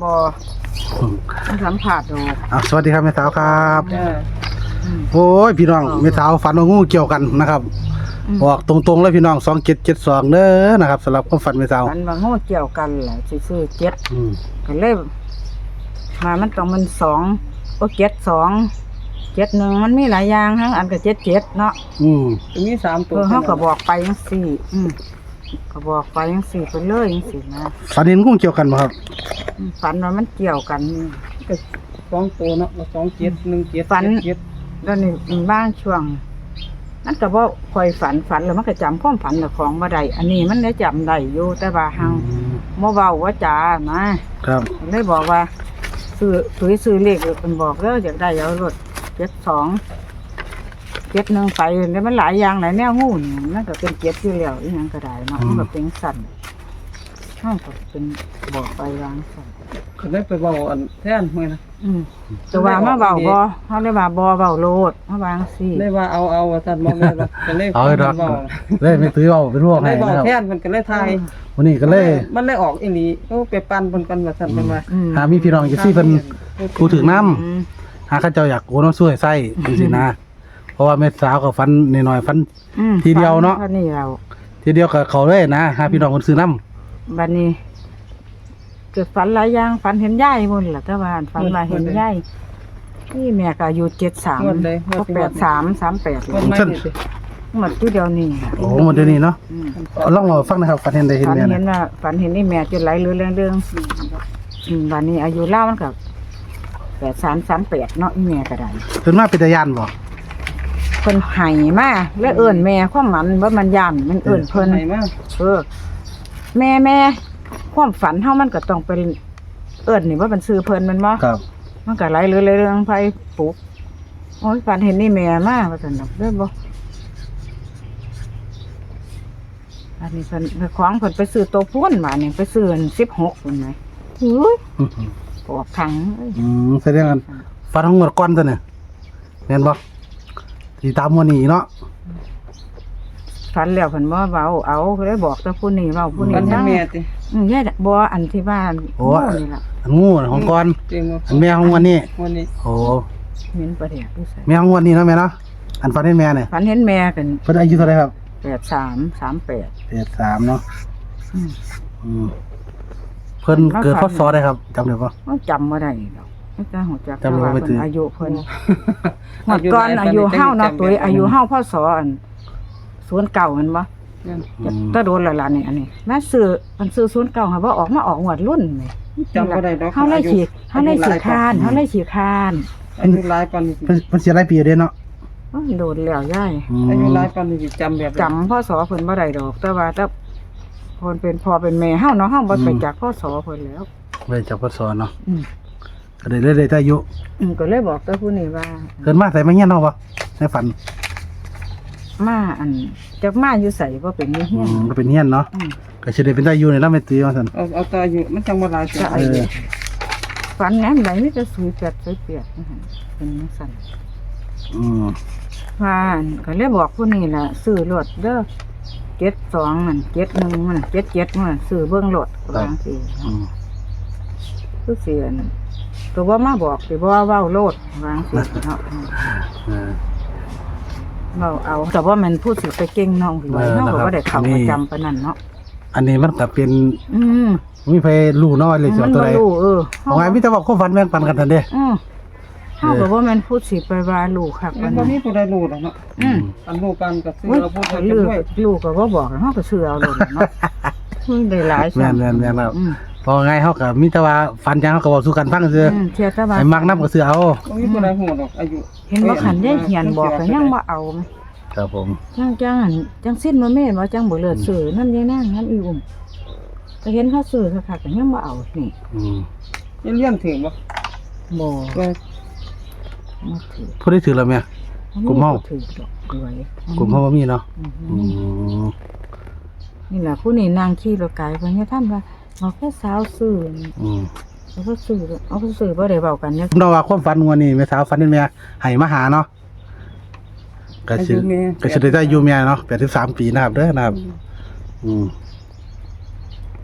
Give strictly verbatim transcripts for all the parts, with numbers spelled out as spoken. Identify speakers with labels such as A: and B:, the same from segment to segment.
A: บ่มันสัมผัสดอก
B: อ่ะสวัสดีครับแม่สาวครับ
A: จ้า
B: โอ้ยพี่น้องแม่สาวฝันว่างูเกี่ยวกันนะครับบอกตรงๆเลยพี่น้องสองเจ็ดเจ็ดสองเด้อนะครับสำหรับความฝันแม่สาว
A: ฝันว่างูเกี่ยวกันแหละสิซื้อเจ็ด
B: อืม
A: ก็เลยมามันต้องมันสองโอ้เจ็ดสองเจ็ดหนึ่งมันมีหลายอย่างทั้งอันก็เจ็ดเจ็ดเนาะ
B: อืม
C: มีสามตั
A: เอ
C: ว
A: อเขาก็บอกไปจังสี่อืมก็บอกไปจังสี่ไปเลยจังสี่นะ
B: ฝันเห็นงูเกี่ยวกันบ่ครับ
A: อืมฝันว่ามันเกี่ยวกัน
C: ก็สองตัวเนาะสองเจ็ดหนึ่งเจ็ด
A: ฝัน
C: เจ็ด
A: แล้วนี่มันบ้างช่วงนั่นก็บ่ค่อยฝันฝันแล้วมันก็จำความฝันเจ้าของบ่ได้อันนี้มันได้จำได้อยู่แต่ว่าหังบ่เว้าว่าจ๋านะครับ เลยบอกว่าซื้อซื้อซื้อเลขเพิ่นบอกเด้ออยากได้เอารถเจ็ดสองเจ็ดหนึ่งไปแล้วมันหลายอย่างหลายแนวงูนี่มันก็เป็นเจ็ดอยู่แล้วอีหยังก็ได้เนาะมันก็เป็นสั่นเฮาก็เป็นบอกไปวางสั่น
C: ก็ได้ไปบอกอันแท่นเมื่อนะ
A: อืมแต่ว่ามาเว้าบ่เฮาเลยว่าบ่เว้าโลดมาวางซี่
C: ได้ว่าเอาเอาว่าท่านมองเลยว่าก็เลย
B: เอาให้ดอก
C: บอก
B: เลยไม่ตื้อเอาเป็นพวก
C: ได้
B: ให้
C: บอก
B: นะครับ
C: แท่นมันก็เลยทาย
B: วันนี้ก็เลย
C: มันเลยออกอีหลีโอ้ไปปั่นเพิ่นกันว่าท่านเพิ่นว่า
A: อืม
B: หามีพี่น้องอยู่ซี่เพิ่นพูดถึงน้
A: อืม
B: ำหาข้าเจ้าอยากโอ้น้องช่วยไส้จังซี่นะเพราะว่าแม่สาวก็ฝันน้อยๆฝัน
A: อืม
B: ทีเดียวเนาะ
A: ฝันี่เรา
B: ทีเดียวก็เขาเลยนะหาพี่น้องคนซื้อน้ำ
A: บัดนี้เกิดฝันหลายอย่างฝันเห็นยายหมดล่ะแต่ว่าฝันว่าเห็นยายนี่แม่ก็อายุเจ็ดสาม
C: งวดใดงว
A: ก็
C: ดที่
A: แปดสามสามแปด
C: วันไม่นี่สิ
A: หมดที่เดียวนี่ล่ะ
B: โอ้หมดเดี๋ยวนี้เนาะ
A: อืม
B: เอาลองมาฟังนะครับฝันเห็นได้เห็น
A: ฝัน
B: แม่
A: เห็น
B: นะ
A: ว่าฝันเห็นนี่แม่จนไหลเรือเรื่องเรื่องอืมบัดนี้อายุเล่ามันกับแปดสามสามแปดเนาะอีแม่ก็ได้
B: เพิ่นมาเป็นตาย่านบ่
A: เพิ่นไห้มาแล้วเอิ้นแม่ความหมันว่ามันย่านมันเอิ้นเพิ่น
C: ไหนมา
A: เออแม่แม่ความฝันเฮามันก็ต้องเป็นเอิ้นนี่ว่ามันซื้อเพิ่นมันบ่
B: ครับ
A: มันก็ไหลเรือเรื่องไผปลูกโอ้ยฝันเห็นนี่แม่มาว่าซั่นดอกเด้อบ่อันนี้เพิ่นไปของเพิ่นไปซื้อตัวพุ่นมานี่ไปซื้ออันสิบหกพุ่นไหมอุ้ย
B: อืม
A: ปวกขังเอ้ย
B: อืมแสดงกันฝันของหมดก่อนตัวเนี่ยแม่นบ่ที่ตามมื้อนี้เนาะ
A: ฝันแล้วเพิ่นบ่เว้าเอาก็เลยบอกแต่ผู้นี้เว้าผู้นี้
C: วันที่
A: ฟัง
C: แม่ติ
A: อืมยายบ่อันที่บ้าน
B: โอ้
A: โนี่ล่ะ
B: อันงูน่ะของก่อน
C: จริงว่า
B: อันแม่ของวันนี้
C: วันนี้
B: โอ้
A: เห็นประเดี๋ยวผู้ใส่
B: แม่ของวันนี้เนาะแม่เนาะอันฝันเห็นแม่เนี่ย
A: ฝันเห็นแม่กัน
B: เพิ่นอายุเท่าไหร่ครับ
A: แปดสามสามแปด
B: แปดสามเนาะ
A: อืม
B: อืมเพิ่นเกิดพศได้ครับจำได้บ่
A: มันจำบ่ได้ดอกไม่กล้าหัวจัก
B: จำบ่
A: ว่า
B: ไป
A: เพิ่
B: ถื
A: น
B: อ
A: อายุเพิ่นหมดก่อนอายุเฮาเนาะตัวอายุเฮาพศอันศูนย์เก้ามันบ่
C: นั่น
B: อืม
A: ตะโดนและล่ะนี่อันนี้แม่ซื้อมันซื้อศูนย์เก้าค่ะบ่ออกมาออกงวดรุ่นนี่
C: จำบ่ได้ดอก
A: เฮาเลยขี้เฮาเลยขี้คร้านเฮาเลยขี้คร้าน
C: อายุหลายปานนี้สิ
B: เพิ่นเพิ่นเสียหลายปีอยู่เด้เนาะ
A: โอ้ยโดนแล้วยาย
B: อืม
C: อายุหลายปานนี้สิจำแบบ
A: จำพ่อสอเพิ่นบ่ได้ดอก แต่ว่าถ้าเพิ่นเป็นพ่อเป็นแม่เฮาเนาะเฮาบ่ไปจากพ่อสอเพิ่นแล้ว
B: เลยจากพศเนาะ
A: อืม
B: ก็ได้เลยได้แต่อายุ
A: อืมก็เลยบอกแต่ผู้นี้ว่า
B: เกินมาใส่มาเฮียนเนาะบ่ในฝัน
A: มาอันจักมาอยู่ไสบ่เป็นอยู่
B: อื
A: เฮียน
B: มก็เป็นเฮียนเนาะ
A: อืม
B: ก็สิได้เป็นตาอยู่ในลำแม่ตื้อว่าซั่น
C: เอาเอาแตอายุมันจังบ่หลายจ้ะ
B: เออ
A: ฝันแหนมใดมีแต่สุยแปดสุยเปียกนั่นหั่นเป็นจังซั่น
B: อืม
A: ว่าอันก็เลยบอกผู้นี้ล่ะซื้อรถเด้อเจ็ดสองนั่นเจ็ดหนึ่งมันน่ะเจ็ดเจ็ดมันน่ะซื้อเบิ่งรถวาจังซี่
B: อืม
A: คือเสียนตัวว่ามาบอกสิบ่ว่าเว้าโลดวาจังซี่เนาะ
B: เออ
A: เว้าเอาแต่ว่ามันพูดสิไปเก่งน้องสิว่า
B: เออ
A: เนาะ
B: นะครับ
A: ก็บ่ได้เข้า
B: นี่
A: ประจำปานนั้นเนาะ
B: อันนี้มันก็เป็น
A: อืม
B: มีไผรู้เนาะเลยสิ
A: มั
B: เอา
A: น
B: ตัว
A: บ่
B: ใด
A: รู้เออ
B: เอาไงมีแต่ว่าความฝันแบ่งปันกันทันเด้
A: อือเฮาก็บ่แม่นพูดสิไปว่าลูกคัก
C: มั
A: ปาน น
C: บ่
A: นั้น
C: มีผู้ใดรู้ดอกเนาะ
A: อืม
C: อันรู้กันก็ซื้อ
A: โอ้ย
C: เราพูดกัน
A: ลูก
C: ด้วย
A: ลูกก็บ่บอกเฮาก็ซื้อเอาโลดเนาะอุ้ยได้หลาย
B: แม่นแม่นแม่นแล้ว
A: อืม
B: พอไงเฮาก็มีแต่ว่าฝันจังเฮาก็เว้าสู่กันฟังซื่อ
A: อืมเชื่อแต่ว่า
B: ให้มักนำก็ซื้อเอา
C: บ่มีผู้ใดฮู้ดอกอายุ
A: เห็นบ่คันได้เหียนบอกก็ยังบ่เอาไหม
B: ครับผม
A: จังจังอันจังสิ้นบ่แม่นว่าจังบ่เลิศซื้อนำยายนางนั้นอีอุ่มก็เห็นเขาซื้อคักๆก็ยังบ่เอานี่
B: อืม
C: ยังเรียนถึงบ่
A: บ่
C: ว่า
A: บ่ถือ
B: ผู้ได้ถือแล้วแม่ กลุ่มเฮา
A: ถือดอกด้วย
B: กลุ่มเฮาบ่มีเนาะ
A: อือฮึ
B: อืม
A: นี่ล่ะผู้นี้นางขี่รถไกลเพิ่นให้ท่านว่าเอาแค่สาวซื้อ
B: อืม
A: เอาก็ซื้อเอาก็ซื้อบ่ได้เว้ากันเนี่ย
B: ผมเดาว่าความฝันงวดนี้แม่สาวฝันเห็นแม่ให้มาหาเนาะก็สิก็สิได้อายุแม่เนาะแปดสิบสามปีนะครับเด้อนะครับ อืม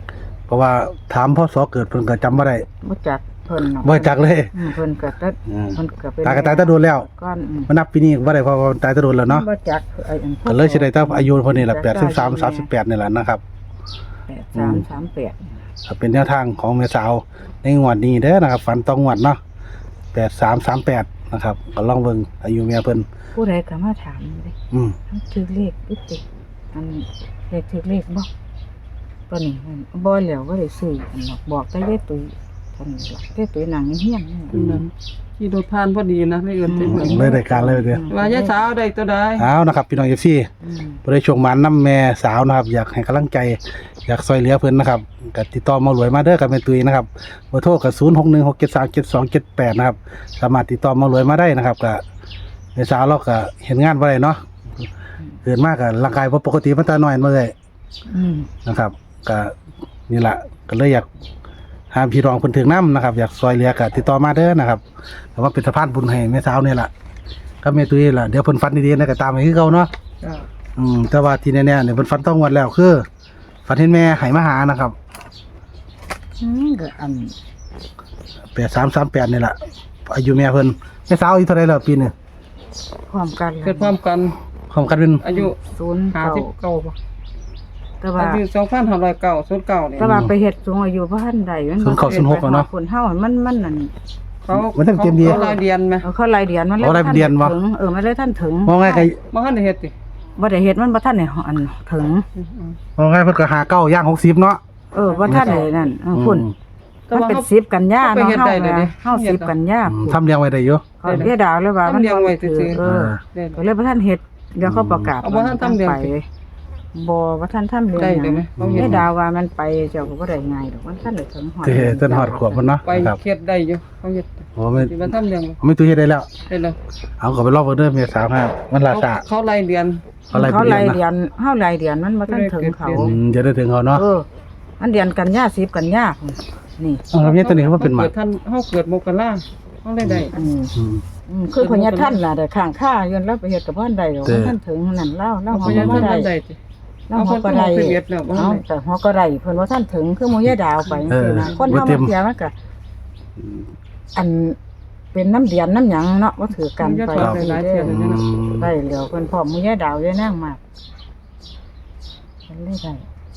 B: เพราะว่าถามพ่อสอเกิดเพิ่นก็จำบ่ได้
A: บ่จักเพิ่นเนาะ
B: บ่จักเลย
A: อืมเพิ่นก็ตัด
B: อืม
A: เพิ่นก็เป็น
B: ตายก็ตายแต่โดนแล้ว
A: ก้อนอืม
B: มานับปีนี้บ่ได้เพราะว่าตายแต่โดนแล้วเนาะ
A: บ่จักไอ้อัน
B: ก็เลยสิได้แต่อายุเพิ่นนี่แหละแปดสิบสาม สามสิบแปดนี่แหละนะครับ
A: แปดสามสามแปด
B: ก็เป็นแนวทางของแม่สาวในงวดนี้เด้อนะครับฝันต้องงวดเนาะแปดสามสามแปดนะครับก็ลองเบิ่งอายุแม่เพิ่น
A: ผู้ใดก็มาถามเลย
B: อืม
A: มันถือเลขอึดติอันเลขถือเลขบ่ตัวนี้มันบ่แล้วบ่ได้ซื้ออันหรอกบอกแต่ยายตุ้ยเท่านี้ล่ะยายตุ้ยนั่งเฮียนๆ
C: เป็นนั้นขี่รถผ่านพอดีนะเลยเอิ้นไปเบิ่ง
B: เลยได้การเลยเด้อ
C: ว่ายายสาวได้ตัวใด
B: เอานะครับพี่น้อง เอฟ ซี
A: อืม
B: บ่ได้ช่วงหมานนํแม่สาวนะครับอยากให้กำลังใจอยากช่วยเหลือเพิ่นนะครับก็ติดต่อหมารวยมาเด้อกับแม่ตุ้ยนะครับเบอร์โทรก็ศูนย์ หก หนึ่ง หก เจ็ด สาม เจ็ด สอง เจ็ด แปดนะครับสามารถติดต่อหมารวยมาได้นะครับก็แม่สาวเราก็เห็นงานบ่ได้เนาะเกิดมาก็ร่างกายบ่ปกติมาแต่น้อยมาเลย
A: อืม
B: นะครับก็นี่แหละก็เลยอยากหาพี่รองเพิ่นถึงน้ำนะครับอยากซอยเหลือก็ติดต่อมาเด้อนะครับแต่ว่าเป็นสะพานบุญให้แม่สาวนี่แหละก็แม่ตุ้ยล่ะเดี๋ยวเพิ่นฟันดีๆนะก็ตามให้คือเก่าเนาะ
C: จ้า
B: อืมแต่ว่าที่แน่ๆเนี่ยเพิ่นฟันต้องงวดแล้วคือฟันเห็นแม่ให้มาหานะครับ
A: อืมก็อัน
B: แปดสามสามแปดนี่แหละอายุแม่เพิ่นแม่สาวอายุเท่าไหร่แล้วปีนี้
A: พร้อมกัน
C: เกิดพร้อมกัน
B: ของกันเป็น
C: อายุ
A: ศูนย์
C: ห้า
A: เก้า
C: สิบเก้าบ่
A: แต่ว่า
C: อายุสองพันห้าร้อยเก้าศูนย์เก้านี่
A: แต่ว่าไปเฮ็ดสูงอายุบ่ทันใดมัน
B: ศูนย์เก้าศูนย์หกอะเนาะ
A: คนเฮามันมันนั่น
C: เขา
B: มันต้องเตรียมดี
C: เขารายเดือนไหม
A: เอาเข้ารายเดือนมันเลย
B: เอารายเดือนวะ
A: ถึงเออมันเลยท่านถึง
B: มองไงก็
C: บ่ทันได้เฮ็ดติ
A: บ่ได้เฮ็ดมันบ่ทันได้อันถึง
C: อืม
B: มองไงเพิ่นก็หาเก้าย่างหกสิบเนาะ
A: เออบ่ทันได้นั่นเออคุณ
C: แต่
A: มัน
C: ว่า
A: เป็น
C: เขา
A: สิบกันยา
C: เขาไป
A: เนาะ
C: เฮ็ด
A: เฮา
C: ได้เลย
A: แห
C: ดิ
A: ละเฮาสิบกันยา
B: อืมทำเลี้ยงไว้ได้อยู่
A: เขาเรียกดาวเลยว่ามัน
C: ทำเลี้ยงไว้ซื่อๆ
A: เออ
C: ได้
A: ก็เลยบ่ทันเฮ็ดเดี๋ยวเขาประกาศ
C: เอาบ่ทันทำเรื่อง
A: ไปบ่บ่ทันทำเรื่อง
C: ได้
A: ห
C: ได้
A: ยัง
C: ไหมเขาเฮ็ด
A: เรียกดาวว่ามันไปเจ้าก็บ่ได้ง่ายดอกมันทันได้ถึงฮอด
B: ที่เต้นฮอดขวบมันเนาะ
C: ไป
B: ครับ
C: เฮ็ดได้อยู่เขาเฮ็ด
B: โอ้ไม่
C: สิมาทำเรื่อง
B: ไม่ตุ้ยเฮ็ดได้แล้ว
C: ได้แล้ว
B: เอาก็ไปรอบเบอร์เดอร์เมียสาวครับมันลา
C: เขา
B: ซา
C: เขารายเดือน
B: อะไร
A: เขา
B: เป็น
A: ราย
B: เดือน
A: เดื
B: นะ
A: อนเฮารายเดือนมันบ่ทันถึงเขา
B: อืมจะได้ถึงเขาเนาะ
A: เออมันเดือนกันยาสิบกันยานี่
B: เอาแล้วเนี่ยตัวนี้เขาเป็นหมา
C: เกิดท่านเฮาเกิดมกราเฮาได้ได้
A: อืม
B: อืม
A: อืมคือพญาท่านล่ะแต่ข้างข้ายืนแล้วไปเฮ็ดกับบ้านใดดอก
B: เด้อ
A: ท่านถึงนั่นเล่าเล่า
C: เอา
A: หั
C: พ
A: วย
C: าน
A: บ่
C: ท่าน
A: ได้
C: ได้ติ
A: เล่าหัวก็ได้
C: เอาคนเอาไปเฮ็ดแล้วบ่ทันได้
A: เอาแต่หัวก็ได้เพิ่นว่าท่านถึงคือหมู่ยายดาวไปจังซี่นะคนเฮามาเที่ยวมันก็อันเป็นน้ำเดียนน้ำหยังเนาะว่าถือกันไป
C: ครับ
A: สิ
C: หลายๆ
A: เด้
C: เที่ยว
A: อ
C: เลยนะ
A: ได้แล้วเพิ่นพร้อมหมู่ยายดาวยายนางมากมันเลยได้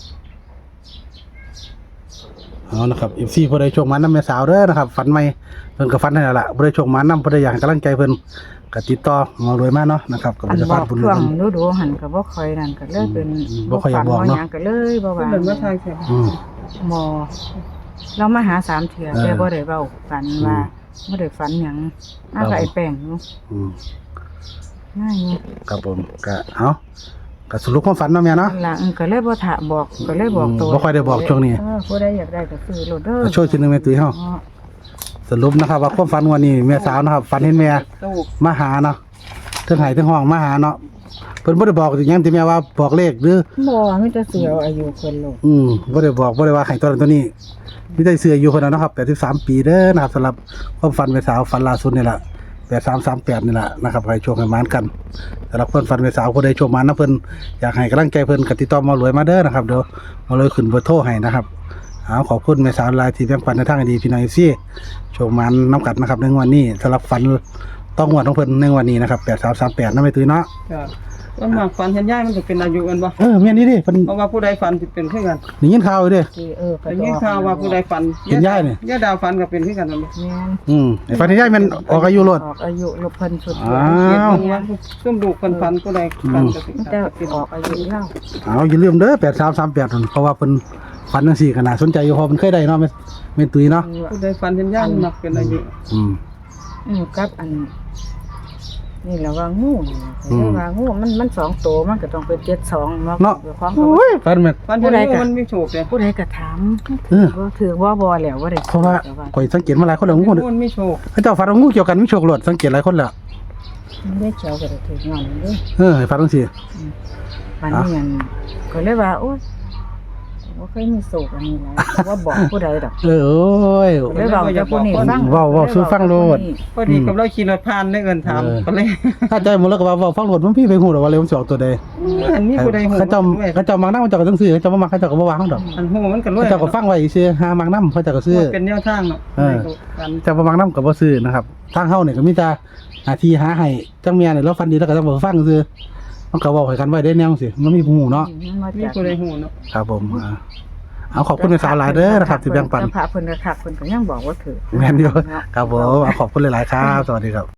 B: เอานะครับเอฟซีพอได้โชคมันน้ำแม่สาวเด้อนะครับฝันใหม่เพิ่นก็ฝันให้แล้วล่ะบ่ได้โชคมันน้ำบ่ได้อยากให้กำลังใจเพิ่นก็ติดต่อมารวยมาเนาะนะครับก็
A: อั
B: เป็น
A: น
B: สะ
A: บ
B: พา
A: อน ก
B: บุญ
A: ช่วง
B: เพิ่น
A: ดูดูๆหันก็บ่ค่อยนั่นก็เลยเป็น
B: อืมบ่ค่อยอยากบอก
A: ฝั
B: เนาะ
A: หยังก็เลยบ่
C: เพิ่
A: ว่าน
C: เดินมาทางแค่
B: อืม
A: หมอเรามาหาสามเทื่อ
B: เออ
A: แต่บ่ได้เว้ากันว่าบ่ได้ฝันหยังมา
B: ครั
A: กับบ ไอ้แป้งอยู่
B: อืม
A: ง่ายอยู่
B: ครับผมก็เอาก็สรุปความฝันเนาะแม่เนาะ
A: นั่นล่ะอืมก็เลยบ่ถามบอกก็เลยบอกตัว
B: บ่ค่อยได้บอกช่วงนี้
A: เออผู้ใดอยากได้ก็ซื้อโลดเด้อ
B: ก็ช่วยชิ้นหนึงแม่ตุ้ยเฮา
A: อ๋อ
B: สรุปนะครับว่าความฝันวันนี้แม่สาวนะครับฝันเห็นแม่
C: ตู้
B: มาหาเนาะเทิงไห้เทิงห้องมาหาเนาะเพิ่นบ่ได้บอกอีหยังที่แม่ว่าบอกเลขหรือ
A: บ่มีแต่เสือเอาอายุเพิ่นโลด
B: อืมบ่ได้บอกบ่ได้ว่าให้ตัวนั้นตัวนี้มีแต่เสื้ออยู่เพิ่นน่ะเนาะครับแปดสิบสามปีเด้อนะครับสำหรับความฝันแม่สาวฝันล่าสุดนี่ล่ะแปดสามสามแปดนี่ล่ะนะครับให้โชคให้หมานกันสำหรับเพิ่นฝันแม่สาวผู้ใดโชคหมานนะเพิ่นอยากให้กำลังใจเพิ่นก็ติดต่อมารวยมาเด้อนะครับเดี๋ยวมารวยขึ้นเบอร์โทรให้นะครับเอาขอบคุณแม่สาวหลายที่แบ่งปันในทางที่ดีพี่น้องซี่โชคหมานนํกันนะครับในวันนี้สำหรับฝันต้องงวดของเพิ่นในวันนี้นะครับแปดสามสามแปดนำไปตื้อเนาะ
C: จ้ะมันมากฝันเห็นยายมันก็เป็นอายุกันบ่
B: เออแม่นนี่ดิเพิ่น
C: เพราะว่าผู้ใดฝันสิเป็นคือกัน
B: ได้ยินข่าวอยู่เด้
A: ที่เออก็
C: แต่ยิ่งข่าวว่าผู้ใดฝัน
B: เห็นยายนี่
C: ยายดาวฝันก็เป็นคือกันนั่นแหละ
A: แม่น
B: อืมไอ้ฝันที่ยายแม่นออกอายุโลด
A: ออกอายุลบเพิ่นสุด
B: อ้า
C: เขียน
B: ว
C: เบิ่งว่าซุ่มลูกเพิ่นฝันผู้ใดฝันก็สิ
A: แต่ออกอายุเล่า
B: เอาอย่าลืมเด้อแปดสามสามแปดนั่นเพราะว่าเพิ่นฝันจังซี่ก็น่าสนใจอยู่เพราะเพิ่นเคยได้เนาะแม่แม่ตุ้ยเนาะ
C: ผู้ใดฝันเห็นยายมันมักเป็นอายุ
B: อืม
A: อืมกับอันนี่แหละว่างูนี่
B: อืม
A: แต่ว่างูมันมันสองตัวมันก็ต้องเป็นเจ็ดสองเนาะ
B: เนาะ
A: ด้วยความ
B: โอ้ยฝันแม่น
C: ฝันเห็นงูมันมีโชคเลย
A: ผู้ใดก็ถาม
B: เออ
A: ว่าถือว่าบ่แล้วว่าได้
B: เพราะว่า
A: แต่
B: ข่อยสังเกตมาหลายคนแล้วงู
C: งูมันมีโชค
B: เขาเจ้าฝันว่างูเกี่ยวกันมีโชคโลดสังเกตหลายคนแล้ว
A: มันได้เจ้าก็ได้ถืองอนเด้อ
B: เออให้ฝันจังซี่
A: มันนี่อันก็เลยว่าโอ๊ยบ่เคยมีโศกอันนี้แหละว่าบอกผู้ใดดอก
B: เออโอ้ย
A: เลยบอกจะผู้นี้ฟัง
B: เว้าเว้าสู่ฟังโลด
C: พอดีกับเราขี่รถผ่านได้เอิ้นถาม
B: เออ
C: ก็เลย
B: ถ้าใจหมดแล้วก็ว่าเว้าฟังโลดมันพี่ไปฮู้ดอกว่าเลยมันสิออกตัวใด
C: อันนี้ผู้ใดฮู้
B: เขาเจ้าเขาเจ้ามักนำเขาเจ้าก็ต้องซื้อเขาเจ้าบ่มักเขาเจ้าก็บ่วางดอก
C: อันฮู้มันก็รวย
B: เขาเจ้าก็ฟังไว้ซื่อหามักนำเขาเจ้าก็ซื้อ
C: เป็นแนวทางเนาะ
B: เออ
C: กัน
B: เจ้าบ่มักนำก็บ่ซื้อนะครับทางเฮานี่ก็มีแต่หน้าที่หาให้จังแม่นี่เราฟันดีแล้วก็ต้องบ่ฟังซื่อมันก็เว้าให้กันไว้ได้แนวสิมันมีผู้ฮู้เนาะ
A: มันมา
C: มี
A: จาก
C: ผู้ใดฮู้เนาะ
B: ครับผมอ่าเอาขอบคุณในสาวหลายเด้อนะครับที่แบ่งปัน
A: เจ้าพระเพิ่นก็คักเพิ่นก็ยังบอกว่าถือ
B: แม่นอยู่ครับผมเอาขอบคุณหลายๆครับ สวัสดีครับ